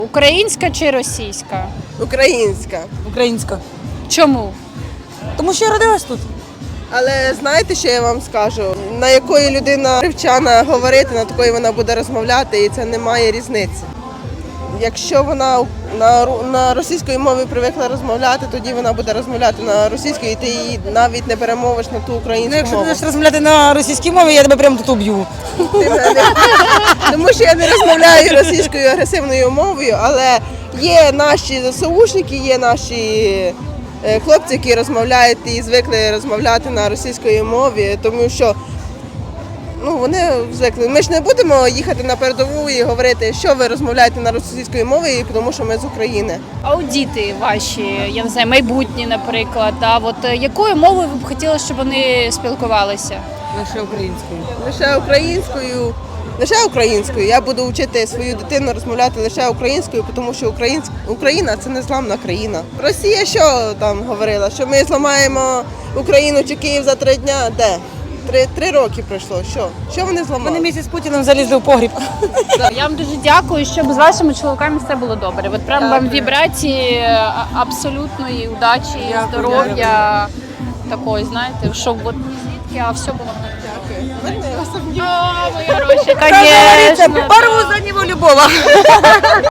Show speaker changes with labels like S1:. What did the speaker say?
S1: Українська чи російська?
S2: Українська.
S3: Українська.
S1: Чому?
S3: Тому що я родилась тут.
S2: Але знаєте, що я вам скажу? На якої людина привчана говорити, на такої вона буде розмовляти, і це не має різниці. Якщо вона на російській мові привикла розмовляти, тоді вона буде розмовляти на російській, і ти її навіть не перемовиш на ту українську
S3: Якщо
S2: мову.
S3: будеш розмовляти на російській мові, я тебе прямо тут уб'ю.
S2: Тому що я не розмовляю російською агресивною мовою, але є наші ЗСУшники, є наші хлопці, які розмовляють і звикли розмовляти на російській мові, тому що вони звикли. Ми ж не будемо їхати на передову і говорити, що ви розмовляєте на російській мові, тому що ми з України.
S1: Аудіти ваші, я не знаю, майбутні, наприклад. Якою мовою ви б хотіли, щоб вони спілкувалися?
S3: Лише українською.
S2: Лише українською. Я буду вчити свою дитину розмовляти лише українською, тому що Україна – це незламна країна. Росія що там говорила? Що ми зламаємо Україну чи Київ за 3 дня? Де? 3 роки пройшло. Що вони зламали?
S3: Вони місяць з Путіним залізли в погріб.
S1: Я вам дуже дякую, щоб з вашими чоловіками все було добре. От прям вам вібрації абсолютної удачі, здоров'я, такої, знаєте, щоб от не звідки, а все було добре. Дякую. Мої гроші, звісно.
S3: Порву за нього любого.